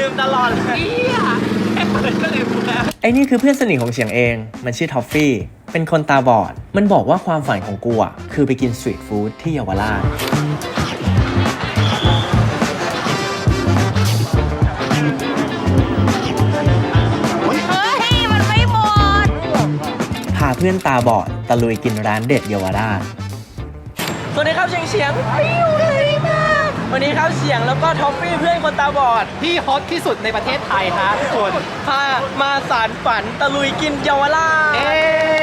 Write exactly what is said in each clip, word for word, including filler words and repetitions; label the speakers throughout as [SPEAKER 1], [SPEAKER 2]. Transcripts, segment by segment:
[SPEAKER 1] ลืมตลอดเลยแค่เปิดก็ลืมแล้ว
[SPEAKER 2] ไอ้นี่คือเพื่อนสนิทของเฉียงเองมันชื่อทอฟฟี่เป็นคนตาบอดมันบอกว่าความฝันของกูอ่ะคือไปกินสตรีทฟู้ดที่เยาวราชพาเพื่อนตาบอดตะลุยกินร้านเด็ดเยาวราชสวัสดีครับเฉียงเฉียงปิ้วเลยมากวันนี้ครับเฉียงแล้วก็ทอฟฟี่เพื่อนคนตาบอด
[SPEAKER 1] ที่ฮอตที่สุดในประเทศไทยฮะทุกคน
[SPEAKER 2] พามาสารฝันตะลุยกินเยาวราช
[SPEAKER 1] เอ๊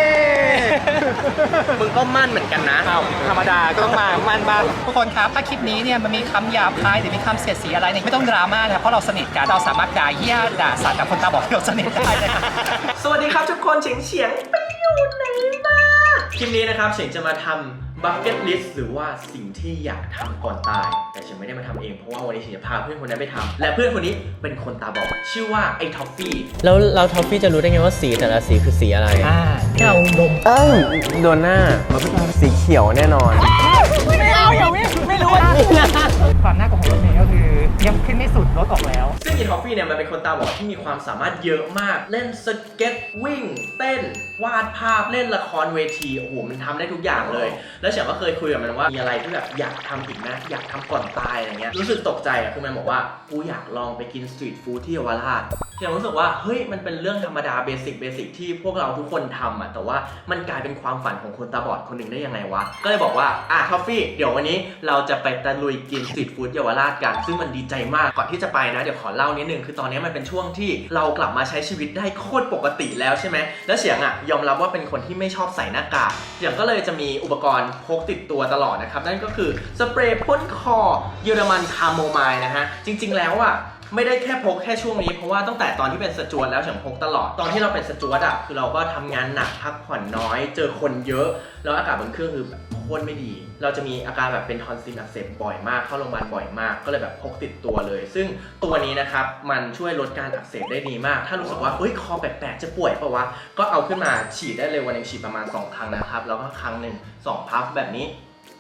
[SPEAKER 2] มึงก็มั่นเหมือนกันนะ
[SPEAKER 1] ธรรมดาก็ต้องมามันบ้างทุกคนครับถ้าคลิปนี้เนี่ยมันมีคำหยาบคายหรือมีคำเสียดสีอะไรเนี่ยไม่ต้องดราม่านะครับเพราะเราสนิทกันเราสามารถด่าเหี้ยด่าสัตว์กับคนตาบอดที่เราสนิทได้เลย
[SPEAKER 2] สวัสดีครับทุกคนเฉียงเฉียงไปอยู่ไหนมาคลิปนี้นะครับเฉียงจะมาทำบัคเก็ตลิสต์หรือว่าสิ่งที่อยากทำก่อนตายแต่เฉียงไม่ได้มาทำเองเพราะว่าวันนี้เฉียงจะพาเพื่อนคนนั้นไปทำและเพื่อนคนนี้เป็นคนตาบอดชื่อว่าไอ้ท็อฟฟี่แล้วเราท็อฟฟี่จะรู้ได้ไงว่าสีแต่ละสีคือสีอะไร
[SPEAKER 1] อ่าที่เราดม
[SPEAKER 2] เอ้าโดนหน้าสีเขียวแน่นอน
[SPEAKER 1] ไม่เอาอย่าไม่ไม่รู้ว่าความน่ากลัวของรถเมล์ก็คือยังขึ้นไม่สุดรถออกแล้ว
[SPEAKER 2] ซึ่งอีท็อฟฟี่เนี่ยมันเป็นคนตาบอดที่มีความสามารถเยอะมากเล่นสเก็ตวิ่งเต้นวาดภาพเล่นละครเวทีโอ้โหมันทำได้ทุกอย่างเลยแล้วเฉียงก็เคยคุยกับมันว่ามีอะไรที่แบบอยากทำอีกนะอยากทำก่อนตายอะไรเงี้ยรู้สึกตกใจอ่ะคือมันบอกว่ากูอยากลองไปกินสตรีทฟู้ดที่เยาวราชเฉียงรู้สึกว่าเฮ้ยมันเป็นเรื่องธรรมดาเบสิกเบสิกที่พวกเราทุกคนทำอ่ะแต่ว่ามันกลายเป็นความฝันของคนตาบอดคนหนึ่งได้ยังไงวะก็เลยบอกว่าอ่ะท็อฟฟี่เดี๋ยววันนี้เราจะไปตะลุยกินสตรีทฟู้ดเยาวราชกันซึ่งมันดีใจมากก่อนที่จะไปนะเดี๋ยวขอเล่านิดนึงคือตอนนี้มันเป็นช่วงที่เรากลับมาใช้ชีวิตได้โคตรปกติแล้วใช่ไหมแล้วเฉียงอ่ะยอมรับว่าเป็นคนที่ไม่ชอบใส่หน้ากากเฉียงก็เลยจะมีอุปกรณ์พกติดตัวตลอดนะครับนั่นก็คือสเปรย์พ่นคอเยอรมันคาโมไมล์นะฮะจริงๆแล้วอ่ะไม่ได้แค่พกแค่ช่วงนี้เพราะว่าตั้งแต่ตอนที่เป็นสจวตแล้วเฉียงพกตลอดตอนที่เราเป็นสจวตอ่ะคือเราก็ทำงานหนักพักผ่อนน้อยเจอคนเยอะแล้วอากาศบนเครื่องคือโคตรไม่ดีเราจะมีอาการแบบเป็นทอนซิลอักเสบบ่อยมากเข้าโรงพยาบาลบ่อยมากก็เลยแบบพกติดตัวเลยซึ่งตัวนี้นะครับมันช่วยลดการอักเสบได้ดีมากถ้ารู้สึกว่าเฮ้ยคอแปลกๆจะป่วยเปล่าวะก็เอาขึ้นมาฉีดได้เลยวันนึงฉีดประมาณสองครั้งนะครับแล้วก็ครั้งหนึ่งสองพัฟแบบนี้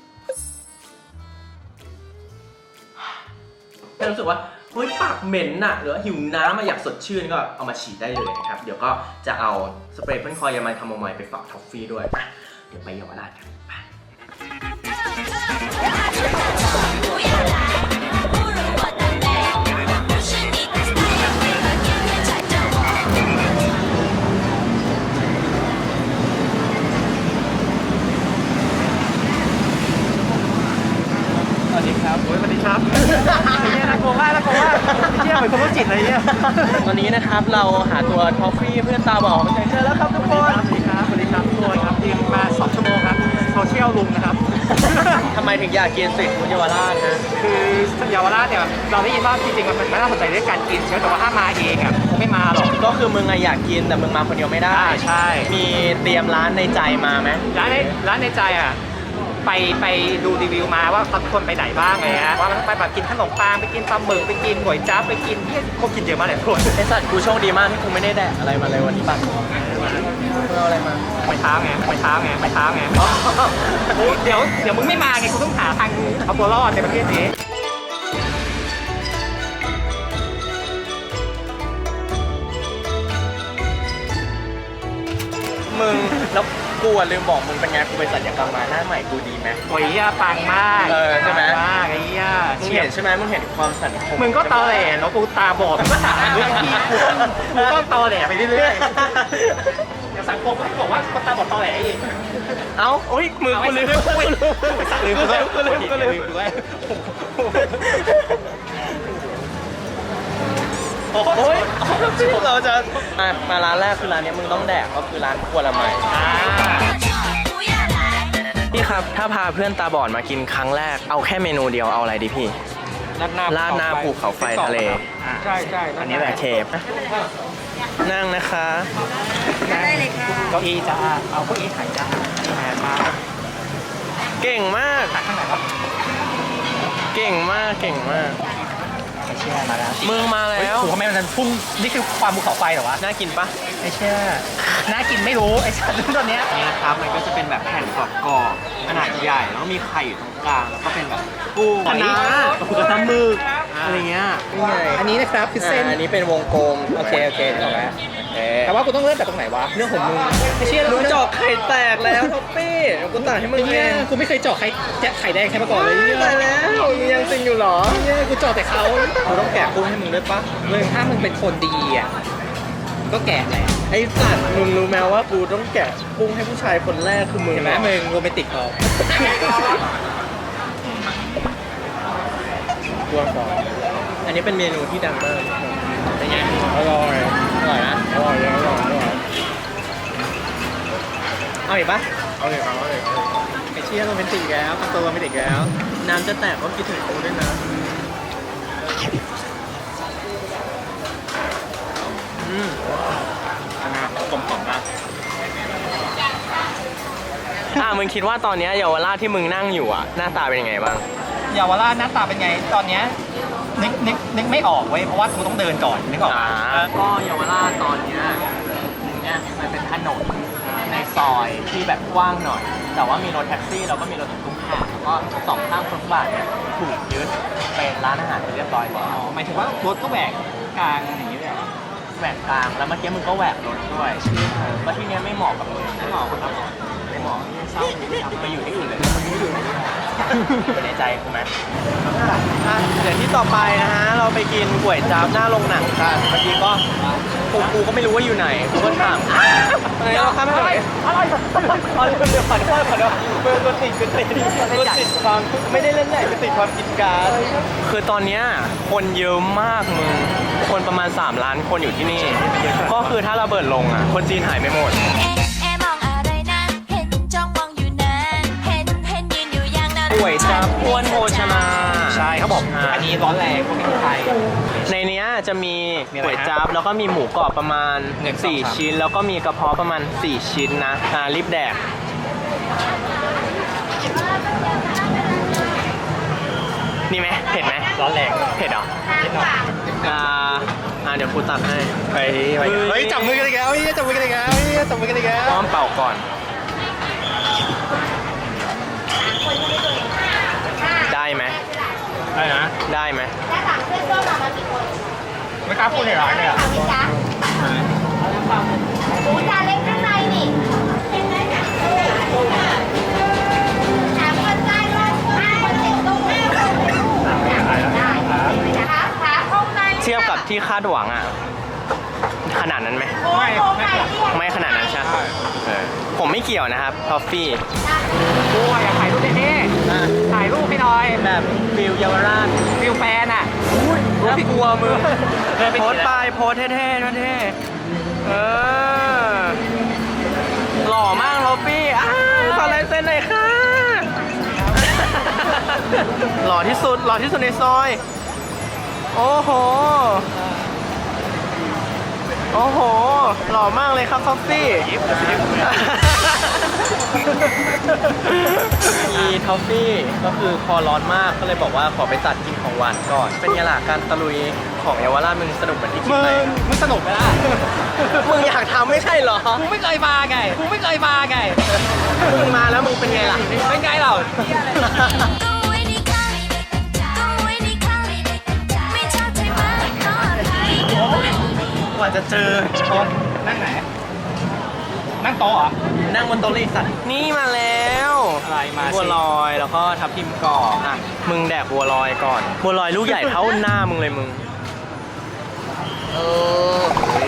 [SPEAKER 2] ถ้ารู้สึกว่าเฮ้ยปากเหม็นน่ะหรือว่าหิวน้ำมาอยากสดชื่นก็เอามาฉีดได้เลยนะครับเดี๋ยวก็จะเอาสเปรย์พ่นคอยามันคาโมไมล์ไปฝากท็อฟฟี่ด้วยเดี๋ยวไปเยาวราชกัน
[SPEAKER 1] สวัสดีครับโอ้ยสวัสดีครับไอ้เนี่ยน่ากลัวมากน่ากลัวมากไอ้เชี่ยเหมือนคนโรคจิตอะไรเนี่ย
[SPEAKER 2] ตอนนี้นะครับเราหาตัวทอฟฟี่เพื่อนตาบอดเจอแล้วครับทุกคน
[SPEAKER 1] สวัสดีครับสวัสดีครับทุกคนครับทีมมาสองชั่วโมงครับโซเชียลลุงนะครับ
[SPEAKER 2] ทำไมถึงอยากกินสตรีทฟู้ดเยาวราชนะ
[SPEAKER 1] คือเยาวราชเนี่ยเราได้ยินว่าจริงๆมันไม่น่าสนใจเรื่องการกินใช่ไหมแต่ว่าถ้ามาเองอ่ะคงไม่มาหรอก
[SPEAKER 2] ก็คือมึงอยากกินแต่มึงมาคนเดียวไม่ได้
[SPEAKER 1] ใช่
[SPEAKER 2] มีเตรียมร้านในใจมาไหม
[SPEAKER 1] ร้านในร้านในใจอ่ะไปไปดูรีวิวมาว่าเขาคนไปไหนบ้างไงฮะว่าไปแบบกินขนมปังไปกินปลาหมึกไปกินก๋วยจั๊บไปกินที่เขากินเยอะมากเลยทุกคน
[SPEAKER 2] ไอสัตว์กูโชคดีมากที่กูไม่ได้แดกอะไรมาเลยวันนี้ป่ะมึงเอาอะไรมา
[SPEAKER 1] ไม่เท้าไงไม่เท้าไงไม่เท้าไงเดี๋ยวเดี๋ยวมึงไม่มาไงกูต้องหาทางเอาตัวรอดในประเทศนี้
[SPEAKER 2] มึงแล้วกูลืมบอกมึงเป็นไงกูไปศัลยกรรมมาหน้าใหม่กูดีไหม
[SPEAKER 1] โอ้ยย่าปังมาก
[SPEAKER 2] เออใช่ไหม
[SPEAKER 1] มากไอ้ย่า
[SPEAKER 2] มึงเห็นใช่ไหมมึงเห็นความสันค
[SPEAKER 1] มึงก็ตอแหลเนาะกูตาบอดมึงก็ถามเรื่องที่กูกูก็ตอแหลไปเรื่อยๆอย่างสังคมเขาบอกว่าคนตาบอดตอแหลเอง
[SPEAKER 2] เอ้าโอ้ยมือกูลืมกูลืมกูลืมกูลืมกูลืมกูลืมโอ้ยเราจะมามาร้านแรกคือร้านนี้มึงต้องแดกก็คือร้านครัวละไมพี่ครับถ้าพาเพื่อนตาบอดมากินครั้งแรกเอาแค่เมนูเดียวเอาอะไรดีพี่
[SPEAKER 1] ราดหน้า
[SPEAKER 2] ราดหน้าภูเขาไฟทะเล
[SPEAKER 1] ใช่ใช่
[SPEAKER 2] อันนี้แหละเคฟนั่งนะคะ
[SPEAKER 3] ได้เลยค่ะ
[SPEAKER 1] เก้าอี้จ้าเอาเก้าอี้ไข่จ้าแหมมา
[SPEAKER 2] เก่งมาก
[SPEAKER 1] ตักข้างไหนครับ
[SPEAKER 2] เก่งมากเก่งมาก
[SPEAKER 1] ไอเชี่ยมาแล้ว
[SPEAKER 2] มึงมาแล้ว
[SPEAKER 1] โอ้โหทำไมมันพุ่งนี่คือความภูเขาไฟเหรอวะ
[SPEAKER 2] น่ากินปะ
[SPEAKER 1] ไอเชี่ยน่ากินไม่รู้ไอสัตว์ตัวเนี้ย
[SPEAKER 2] นี่นะครับมันก็จะเป็นแบบแผ่นกรอบๆขนาดใหญ่แล้วมีไข่อยู่ตรงกลางแล้วก็เป็นแบบกุ้ง
[SPEAKER 1] คะน้า
[SPEAKER 2] ปูกระทะหมึก
[SPEAKER 1] อ
[SPEAKER 2] อะไรเงี้ยนี่ไง
[SPEAKER 1] อันนี้นะครับคือเส้น
[SPEAKER 2] อันนี้เป็นวงกลม
[SPEAKER 1] โอเคโอเคนึกออกแล้วแต่ว่ากูต้องเริ่มจากตรงไหนวะเรื่องของมึงไม่เชื่อ
[SPEAKER 2] มึงเจาะไข่แตกแล้วท็อปปี้เดี๋ยวกูตัดให้มึงเอ
[SPEAKER 1] เนี่ย
[SPEAKER 2] ง
[SPEAKER 1] กูไม่เคยเจาะไข่แจะไข่แดงใครมาก่อนเลยเนี่ย
[SPEAKER 2] ตายแล้วมึงยังจริงอยู่เหรอ
[SPEAKER 1] เนี่ยกูเจาะแต่เขา
[SPEAKER 2] กูต้องแกะกุ้งให้มึงด้วยปะ
[SPEAKER 1] มึงถ้ามึงเป็นคนดีอ่ะก็แก่แหละ
[SPEAKER 2] ไอ้สัตว์มึงรู้ไหมว่ากูต้องแกะกุ้งให้ผู้ชายคนแรกคือมึง
[SPEAKER 1] เห็นไหมมึงโรแมนติกพอ
[SPEAKER 2] กลัวก่อนอันนี้เป็นเมนูที่ดังมากเป็นไง
[SPEAKER 1] อร่อย
[SPEAKER 2] อร่อยนะ
[SPEAKER 1] อร่อยอร่อยอร่อย
[SPEAKER 2] เอาอีกปะ
[SPEAKER 1] เอาเลยเอาเลยไอ้เชี่ยโรแมนติกแล้วทำตัวโรแมนติกแล้ว
[SPEAKER 2] น้ำจะแตกก็คิดถึงกูด้วยนะอืม
[SPEAKER 1] นะครับกลมกล่อมมาก
[SPEAKER 2] อ่ะมึงคิดว่าตอนเนี้ยเยาวราชที่มึงนั่งอยู่อ่ะหน้าตาเป็นยังไงบ้าง
[SPEAKER 1] เยาวราชหน้าตาเป็นไงตอนเนี้ยนึกนึกนึกไม่ออกเว้ยเพราะว่ากูต้องเดินก่อนนึกออก
[SPEAKER 2] อ่า
[SPEAKER 1] ปะ
[SPEAKER 2] ก็เยาวราชตอนเนี้ยเนี่ยมันเป็นถนนในซอยที่แบบกว้างหน่อย แต่ว่ามีรถแท็กซี่แล้วก็มีรถตุ๊กๆผ่านแล้วก็สองข้างฟุตบาทเนี่ยถูกยึดเป็นร้านอาหารไปเรียบร้อยแล้ว
[SPEAKER 1] อ๋อหมายถึงว่ารถก็แหวกกลางอย่างนี้เลยเหรอ
[SPEAKER 2] แหวกกลางแล้วเมื่อกี้มึงก็แหวกรถด้วยแล้วที่เนี้ยไม่เหมาะกับมึงไม่เหมาะครับไม่เหมาะเศร้าไปอยู่ที่อื่นเลยอยู่ในใจกูไหมอ่ะเดี๋ยวที่ต่อไปนะฮะเราไปกินก๋วยจั๊บหน้าโรงหนังกันเมื่อกี้ก็กูกูก็ไม่รู้ว่าอยู่ไหนกูก็ถามเฮ้ยเราข้ามไปไหนอะไรอะไรเดี๋ยวผ่านผ่านผ่านเบอร์ตัวติดตัวติดตัวติดความไม่ได้เล่นใหญ่ตัวติดความกินการคือตอนเนี้ยคนเยอะมากมึงคนประมาณสามล้านคนอยู่ที่นี่ ก็คือถ้าระเบิดลงอ่ะคนจีนหายไม่หมด
[SPEAKER 4] เอ๊ะเอ๊ะมองอะไรนะเห็นจ้องมองอยู่นานเห็นเห็นยืนอยู่อย่างนั้น
[SPEAKER 2] ก๋วยจั๊บอ้วนโภชนา
[SPEAKER 1] ใช่เขาบอก
[SPEAKER 2] อ่า
[SPEAKER 1] อันนี้ร้อนแรงพวกนี้ไทย
[SPEAKER 2] ในเนี้ยจะมี
[SPEAKER 1] มีอะไร
[SPEAKER 2] ก๋วยจั๊บแล้วก็มีหมูกรอบประมาณ
[SPEAKER 1] หนึ่งสอง
[SPEAKER 2] สี่
[SPEAKER 1] สาม
[SPEAKER 2] ชิ้น แล้วก็มีกระเพาะประมาณสี่ชิ้นนะอ่ารีบแดกนี่ไหมเผ็ดไหม
[SPEAKER 1] ร้อนแรง
[SPEAKER 2] เผ็ดเหรอ
[SPEAKER 1] นิดหน่อย
[SPEAKER 2] อ่าอ่าเดี๋ยวกูตักให้
[SPEAKER 1] เฮ้ยเฮ้ยจับมือกันอีกแล้วเฮ้ยจับมือกันอีกแล้วเฮ้ยจับมือกันอีกแล้ว
[SPEAKER 2] พร้อมเป่าก่อน ได้ไหม
[SPEAKER 1] ได้นะ
[SPEAKER 2] ได้ไหม
[SPEAKER 1] ไม่กล้าพูดในร้านเลยอ่ะ
[SPEAKER 4] หมูจานเล็กข้างในนี่ถามคนใต้ว่าคนติดตรงหน้าขาขาข้างใน
[SPEAKER 2] เทียบกับที่คาดหวังอ่ะ ขนาดนั้นไหม
[SPEAKER 4] โค้งโค้งไหนที่
[SPEAKER 2] ไม่ขนาดนั้นใช่ไหมเออผมไม่เกี่ยวนะครับทอฟฟี่
[SPEAKER 1] กูอยากถ่ายรูปเท่ๆถ่ายรูปให้หน่อย
[SPEAKER 2] แบบฟิลเยาวราช
[SPEAKER 1] ฟิลแฟนอ่ะ
[SPEAKER 2] น่ากลัวมือ
[SPEAKER 1] เดินไป
[SPEAKER 2] โพ
[SPEAKER 1] ที
[SPEAKER 2] สต์ไป
[SPEAKER 1] ละ
[SPEAKER 2] โพสต์เท่ๆเท่ๆเออ หล่อมากทอฟฟี่อ้าวขอลายเซ็นหน่อยค่ะ หล่อที่สุด หล่อที่สุดในซอย โอ้โห โอ้โห หล่อมากเลยครับทอฟฟี่ อีทอฟฟี่ก็คือคอร้อนมากก็เลยบอกว่าขอไปตัดกินของหวานก่อน เป็นไงล่ะการตะลุยของเยาวราชมึงสนุกเหมือนที่คิด
[SPEAKER 1] มึง
[SPEAKER 2] ไหม
[SPEAKER 1] มึงสนุกไหมล่ะ
[SPEAKER 2] มึงอยากทำไม่ใช่เหรอ
[SPEAKER 1] กูไม่เคยมาไงกูไม่เคยมาไง
[SPEAKER 2] มึงมาแล้วมึงเป็นไงล่ะ
[SPEAKER 1] เป็นไงเรา
[SPEAKER 4] ตู้ไว้ในข้างตู้ไว้ในข้างไม่ชอบใช่ไหมก็ไทย
[SPEAKER 2] กว่าจะเจอ
[SPEAKER 1] โต๊ะนั่งไหน นั่งโต๊ะเหรอ
[SPEAKER 2] นั่งบนโต๊ะเลยสัตว์นี่มาแล้ว
[SPEAKER 1] อะไรมาสิ
[SPEAKER 2] บัวลอยแล้วก็ทับทิมกรอบอ่ะมึงแดกบัวลอยก่อนบัวลอยลูกใหญ่เท่าหน้ามึงเลยมึงเออ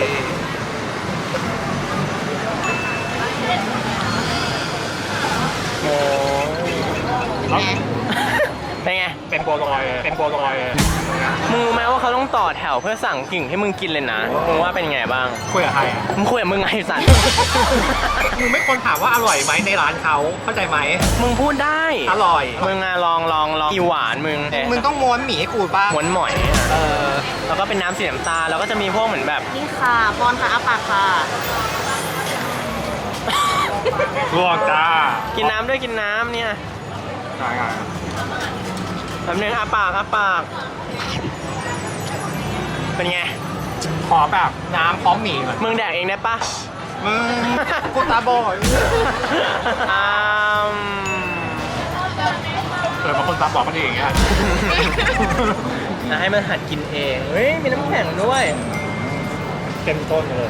[SPEAKER 2] โอ้ยเป็นไง
[SPEAKER 1] เป็นบัวลอย เป็นบัวลอย
[SPEAKER 2] มึงรู้ไหมว่าเขาต้องต่อแถวเพื่อสั่งกิ่งให้มึงกินเลยนะ มึงว่าเป็นไงบ้าง
[SPEAKER 1] คุยกับใคร
[SPEAKER 2] มึงคุยกับมึงไงสัตว์
[SPEAKER 1] มึงไม่ควรถามว่าอร่อยไหมในร้านเขาเข้าใจไหม
[SPEAKER 2] มึงพูดได้
[SPEAKER 1] อร่อย
[SPEAKER 2] มึงอะลองลองลองอีหวานมึง
[SPEAKER 1] มึงต้องม้วนหมี่ให้กูป่ะ
[SPEAKER 2] หวนหมอยอะเออ แล้วก็เป็นน้ำสีน้ำตาลแล้วก็จะมีพวกเหมือนแบบ
[SPEAKER 3] นี่ค่ะปอนค่ะอาปากค่ะ
[SPEAKER 1] ลวกจ้า
[SPEAKER 2] กินน้ำด้วยกินน้ำเนี่ย
[SPEAKER 1] ใช่
[SPEAKER 2] แบบนึงอาปากอาปาก เป็นไง
[SPEAKER 1] ขอแบบน้ำพร้อมหมี่ก่อน
[SPEAKER 2] มึงแดกเองได้ปะ
[SPEAKER 1] มึงกูตาบอด
[SPEAKER 2] อืม
[SPEAKER 1] เออบางคนตาบอกมันเองอ่ะ
[SPEAKER 2] นะให้มันหัดกินเอง เฮ้ย มีน้ำแข็งด้วย
[SPEAKER 1] เต็มต้นเลย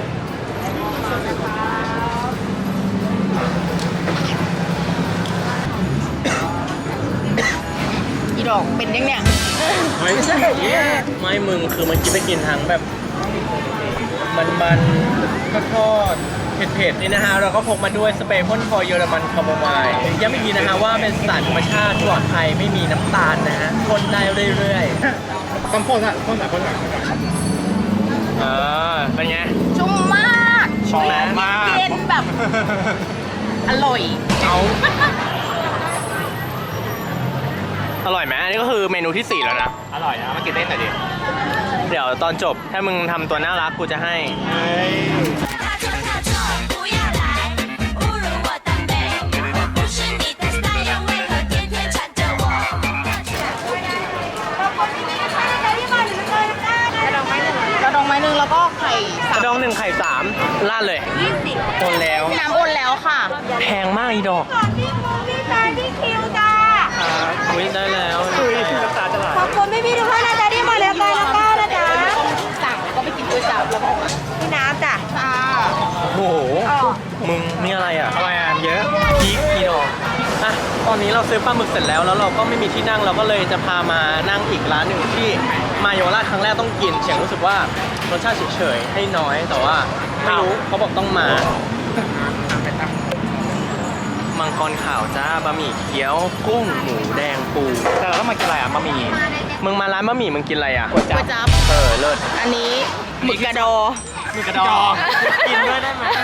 [SPEAKER 3] อีดอกเป็นยังเนี่ย
[SPEAKER 2] ไม่ใช่ไม่มึงคือมันกินไปกินทั้งแบบ มันมันก็ทอดเผ็ดๆนี่นะฮะ เราก็พกมาด้วยสเปรย์พ่นคอเยอรมันคาโมไมล์ย้ำอีกทีนะฮะว่าเป็นสารธรรมชาติปลอดภัยไม่มีน้ำตาลนะฮะพ่นได้เรื่อย
[SPEAKER 1] ต้องพ่นอ่ะพ่นอ่ะพ่นอ่ะ
[SPEAKER 2] ๆเออเป็นไง
[SPEAKER 3] ชุ่มมาก
[SPEAKER 2] ชอบมาก
[SPEAKER 3] เย็นแบบ อร่อย
[SPEAKER 2] เอาอร่อยไหมอันนี้ก็คือเมนูที่สี่แล้วนะ
[SPEAKER 1] อร่อยนะมากินได้หน่อยดิ
[SPEAKER 2] เดี๋ยวตอนจบถ้ามึงทำตัวน่ารักกูจะให้
[SPEAKER 1] เฮ้ย
[SPEAKER 4] 他说他说不要来侮辱我的美，我不是你的 style，为何天天缠着我？
[SPEAKER 3] กระดองไม้หนึ่งแล้วก็ไข่
[SPEAKER 2] ก
[SPEAKER 3] สาม
[SPEAKER 2] ระดองหนึ่งไข่สามราดเลย
[SPEAKER 3] ยี่สิบ
[SPEAKER 2] โอนแล้ว
[SPEAKER 3] น้ำโอนแล้วค่ะ
[SPEAKER 2] แพงมากอีดอก
[SPEAKER 3] พี่มูพี่ตาพี่คิวจ้า
[SPEAKER 2] อุ้ยได้แล้ว
[SPEAKER 1] คุยน้ำตาจะไหล
[SPEAKER 3] ขอบคุณพี่พี่ทุกท่านนะจ๊ะที่มาแล้วกันแล้วก็นะจ๊ะสั่งแล้วก็ไปกินด้วยจ้าแล้วก็พี่น้ำจ้ะจ้า
[SPEAKER 2] โอ้โห มึงนี่อะไรอ่ะ
[SPEAKER 1] อะไรอ่ะเยอะ
[SPEAKER 2] พริกอีดอกอ่ะตอนนี้เราซื้อปลาหมึกเสร็จแล้วแล้วเราก็ไม่มีที่นั่งเราก็เลยจะพามานั่งอีกร้านหนึ่งที่มาเยาวราชครั้งแรกต้องกินเฉียงรู้สึกว่ารสชาติเฉยๆให้น้อยแต่ว่าไม่รู้เขาบอกต้องมา มังกรขาวจ้าบะหมี่เกี๊ยวกุ้งหมูแดงปู
[SPEAKER 1] แต่เราต้องมากินอะไรอ่ะมามี
[SPEAKER 2] มึงมาร้านบะหมี่มึงกินอะไรอ่ะ
[SPEAKER 1] ก๋วยจั๊
[SPEAKER 3] ก๋ว
[SPEAKER 1] บ
[SPEAKER 3] ยจั๊บ
[SPEAKER 2] เออเลิศ
[SPEAKER 3] อันนี้หมึกกระดอ
[SPEAKER 1] มีกระดอง
[SPEAKER 2] กินด้วยได้ไหม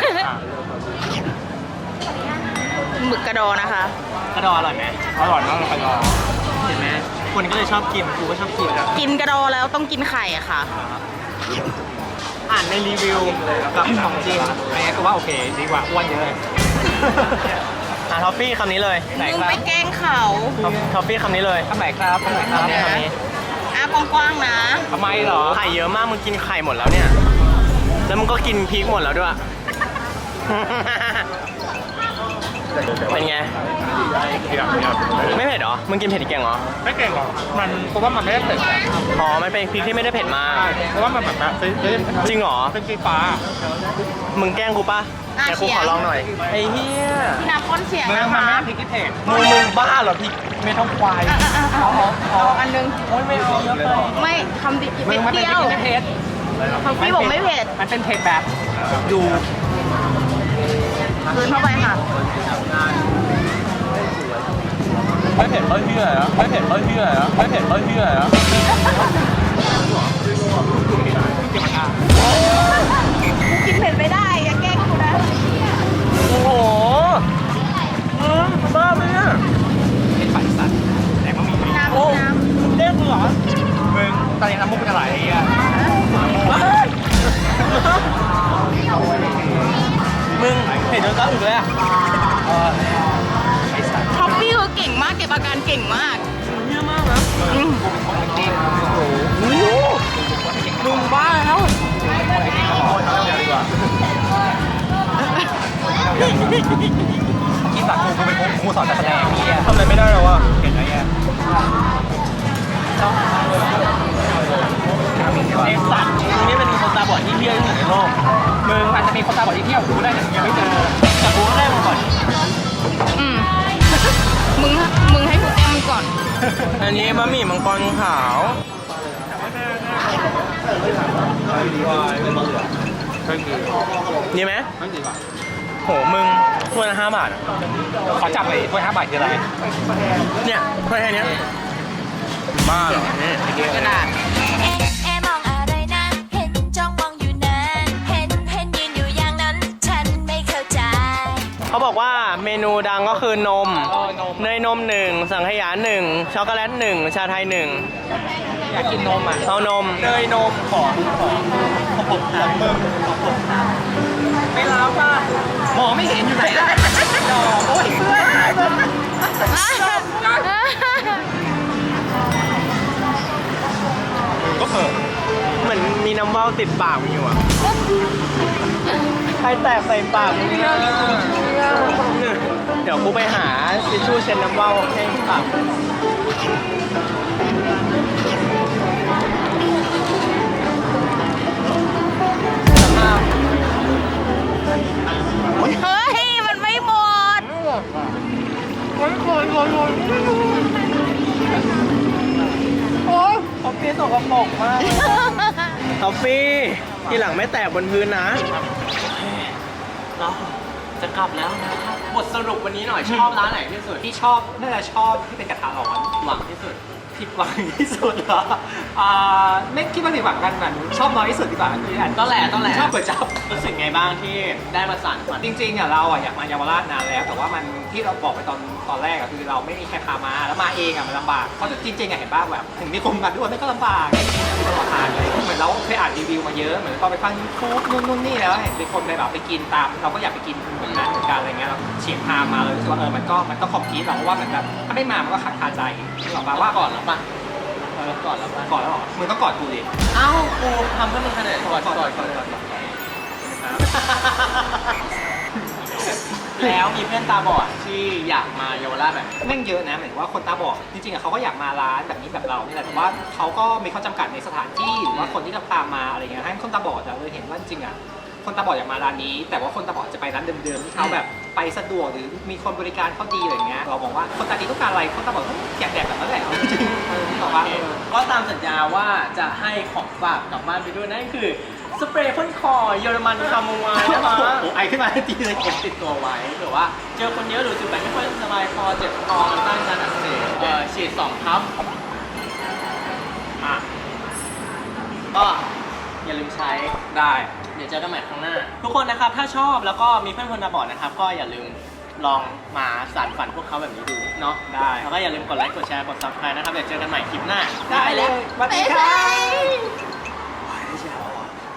[SPEAKER 3] หมึกกระดอนะคะ
[SPEAKER 2] กระดออร่อยไหม
[SPEAKER 1] อร่อยมากเลยกระดอง
[SPEAKER 2] เห็นไหมคนก็เลยชอบกินกูก็ชอบกิน
[SPEAKER 3] กินกระดอแล้วต้องกินไข่อะค่ะ
[SPEAKER 2] อ่านในรีวิวกับของจริง
[SPEAKER 1] อันนี้ก็ว่าโอเคดีกว่าอ้วนเยอะเลย
[SPEAKER 2] อ่ะท็อฟฟี่คำนี้เลย
[SPEAKER 1] ไหน
[SPEAKER 3] มึง
[SPEAKER 1] ครับ
[SPEAKER 3] ไปแกล้งเขา
[SPEAKER 2] ท็อปท็อฟฟี่คำนี้เลย
[SPEAKER 1] ทำไหนครับทำไหนครับ
[SPEAKER 2] คำนี้คำนี้
[SPEAKER 3] อ่ะกว้างๆนะ
[SPEAKER 1] ทำไมเหรอ
[SPEAKER 2] ไข่เยอะมากมึงกินไข่หมดแล้วเนี่ย แล้วมึงก็กินพริกหมดแล้วด้วย เป็นไง ไม่เผ็ดเหรอ มึงกินเผ็ดเก่งเหรอ
[SPEAKER 1] ไม่เก่งหรอกมันเพราะว่ามันไม่ได้เผ็ด
[SPEAKER 2] อ๋อมันเป็นพริกที่ไม่ได้เผ็ดมาก
[SPEAKER 1] เพราะว่ามันแบบแบบเป็น
[SPEAKER 2] จริงเหรอ
[SPEAKER 1] เป็นสีฟ้า
[SPEAKER 2] มึงแกล้งกูปะเดี๋ยวกูขอลองหน่อย ไอ้เหี้ย
[SPEAKER 3] พี่น้ำก้นเสียง
[SPEAKER 1] เนื้อ
[SPEAKER 3] นะ
[SPEAKER 1] มัน
[SPEAKER 3] คะ
[SPEAKER 1] ไม่พริกที่เผ็ด
[SPEAKER 2] มึงมึงบ้าเหรอพริกไม่ต้องควาย
[SPEAKER 3] อ่ะอ่ะอ่ะเอาเอาเอาอันนึง
[SPEAKER 2] โอ๊ยไม่เอาเยอะไป
[SPEAKER 3] ไม่คำดิบ
[SPEAKER 1] มึ
[SPEAKER 3] ไม่
[SPEAKER 1] งมันเป็น
[SPEAKER 3] เดี
[SPEAKER 1] พ
[SPEAKER 3] ย
[SPEAKER 1] ริ
[SPEAKER 3] ว
[SPEAKER 1] กที่ไม่เผ็ด
[SPEAKER 3] คำพี่บอกไม่เผ็ด
[SPEAKER 1] มันเป็นเผ็ดแบบ
[SPEAKER 2] ดู
[SPEAKER 3] คืนเข้าไปค่ะ
[SPEAKER 2] ไม่เผ็ดไม่เชื่อเหรอไม่เผ็ดไม่เชื่อเหรอไม่เผ็ดไม่เชื่อเหรอ
[SPEAKER 3] กินเผ็ดไม่ได้อย่าแกล้งกูนะ
[SPEAKER 2] โอ้โหมึงบ้าไหมเนี่ย
[SPEAKER 1] เป็นฝ่ายสัตว์แต่ก็มี
[SPEAKER 3] น้ำ
[SPEAKER 2] โอ้
[SPEAKER 3] น้
[SPEAKER 2] เรียกมึงเหรอ
[SPEAKER 1] มึงตอนนี้น้ำมุกจะไหลไอ้เหี้ย
[SPEAKER 2] มึงเผ็ดจนก้าวถึงเลยอ่ะ
[SPEAKER 1] ไอ้สัตว์
[SPEAKER 3] ำท็อปปี้คือเก่งมากเก็บอาการเก่งมาก
[SPEAKER 2] เยอะมากนะ
[SPEAKER 3] อืม
[SPEAKER 1] มันจริง
[SPEAKER 2] มึงบ้าแล้ว
[SPEAKER 1] คิดแบบกูกูเป็นครูสอนการแสดงเหี้ย
[SPEAKER 2] ทำอะไรไม่ได้แล้วอ่ะ
[SPEAKER 1] เห็นไหมเหี้ย
[SPEAKER 2] ไอ้สัตว์มึงนี่เป็นคนตาบอดที่เบี้ยวที่สุดในโลก
[SPEAKER 1] มึงอาจจะมีคนตาบอดที่เที่ยวกูได้แต่ยังไม่เจอ
[SPEAKER 2] แต่กูก็ได้มาก่อน
[SPEAKER 3] อืมมึงมึงให้กูแต้มมึงก่อน
[SPEAKER 2] อันนี้บะหมี่มังกรขาว ดีไหม
[SPEAKER 1] ไม่ดีกว่า
[SPEAKER 2] โหมึงถ้วยละห้าบาทอะ
[SPEAKER 1] ขอจับเลยถ้วยห้าบาทคืออะไร
[SPEAKER 2] เนี่ยถ้วยแค่เนี้ยบ้าเหรอเนี่ย
[SPEAKER 3] กระดาษ
[SPEAKER 4] เอ๊ะเอ๊ะมองอะไรนะเห็นจ้องมองอยู่นานเห็นเห็นยืนอยู่อย่างนั้น ฉันไม่เข้าใจ
[SPEAKER 2] เขาบอกว่าเมนูดังก็คือนม เนยนมหนึ่งสังขยาหนึ่งช็อกโกแลตหนึ่งชาไทยหนึ่ง
[SPEAKER 1] อยากกินนมอ่ะ
[SPEAKER 2] เอานม
[SPEAKER 1] เนยนมขอขอของผมของมึงของผมไม่รับอ่ะมองไม่เห็นอยู่ไหนล่ะโอ้ยเพื่อน ก็เถอะ
[SPEAKER 2] เหมือนมีน้ำว่าวติดปากมันอยู่อ่ะใครแตกใส่ปากมึงเนี่ยดี๋ยวกูไปหาทิชชู่เช็ดน้ำเบ้าให้ปาก
[SPEAKER 3] เฮ้ย มันไม่หมด
[SPEAKER 1] โอ้ยโอ้ยโอ้ยโอ้ยโอ้ย
[SPEAKER 2] ทอฟฟี่สกปรกมากทอฟฟี่ทีหลังไม่แตกบนพื้นนะเราจะกลับแล้วนะครับบทสรุปวันนี้หน่อยชอบร้านไหนที่สุด
[SPEAKER 1] ที่ชอบน่าจะชอบที่เป็นกระทะร้อน
[SPEAKER 2] หวังที่สุด
[SPEAKER 1] ผิดหวังที่สุดเหรออ่าไม่คิดว่าผิดหวังกันเหมือนชอบน้อยที่สุดดีกว่าคืออัน
[SPEAKER 2] ต้นแหละต้นแหละ
[SPEAKER 1] ชอบก๋วยจั๊บ
[SPEAKER 2] รู้สึกไงบ้างที่ได้มาสานฝัน
[SPEAKER 1] จริงๆอ่ะเราอ่ะอยากมาเยาวราชนานแล้ว แต่ว่ามันที่เราบอกไปตอนตอนแรกอ่ะคือเราไม่มีใครพามาแล้วมาเองอ่ะมันลำบากเพราะจริงๆอ่ะเห็นป่ะแบบถึงมีคนมาด้วยไม่ก็ลำบากมีตลอดทางเลยเหมือนเราเคยอ่านรีวิวมาเยอะเหมือนพอไปฟังยูทูบนู่นนู่นนี่แล้วเห็นมีคนไปแบบไปกินตาม เราก็อยากไปกินเหมือนกันเหมือนกันอะไรเงี้ยเราเฉียงทางมาเลยรู้สึกว่าเออมันก็มันก็คอมพิวต์เราเพราะว่าเหมือนแบบถ้าไม่มามันก็ขัดคาใจที่บอกมาว่า
[SPEAKER 2] ก่อนแล้วปะเออก่อนแล้วปะ
[SPEAKER 1] ก่อนแล้วเหรอมึงต้องกอดกูดิ
[SPEAKER 2] เอ้ากูทำเพื่อมึงขนาดก่อนก่อนก่อนก่อนแล้วมีเพื่อนตาบอดที่อยากมาเยาวราชแบบ
[SPEAKER 1] แม่งเยอะนะหมายถึงว่าคนตาบอดจริงๆอะเขาก็อยากมาร้านแบบนี้แบบเรานี่แหละแต่ว่าเขาก็มีข้อจำกัดในสถานที่หรือว่าคนที่จะพามาอะไรเงี้ยให้คนตาบอดอะเลยเห็นว่าจริงๆอะคนตาบอดอยากมาร้านนี้ แต่ว่าคนตาบอดจะไปร้านเดิมๆที่เขาแบบไปสะดวกหรือมีคนบริการเขาดีอะไรเงี้ยเราบอกว่าคนตาดีต้องการอะไรคนตาบอดก็อยากแดกแบบนั้นแหละจริงๆเออที่บอกว่าเออ
[SPEAKER 2] ก็ตามสัญญาว่าจะให้ของฝากกลับบ้านไปด้วยนั่นคือสเปรย์พ่นคอเยอรมันคาโมไมล์นะคะ
[SPEAKER 1] โอ้ไอขึ้นมาทันทีเลย
[SPEAKER 2] เก็บติดตัวไว้หรือว่าเจอคนเยอะหรือจุดแบบไม่ค่อยสบายคอเจ็บคอมันต้านการอักเสบเอ่อฉีดสองทับอ่ะก็อย่าลืมใช้
[SPEAKER 1] ได้
[SPEAKER 2] เดี๋ยวเจอกันใหม่ครั้งหน้า ทุกคนนะครับถ้าชอบแล้วก็มีเพื่อนคนตาบอดนะครับ ก็อย่าลืมลองมาสานฝันพวกเขาแบบนี้ดูเนาะ
[SPEAKER 1] ได้
[SPEAKER 2] แล้วก็อย่าลืมกดไลค์กดแชร์กด ซับสไครบ์ นะครับเดี๋ยวเจอกันใหม่คลิปหน้า
[SPEAKER 1] ได้เลยสวัสดีค่ะ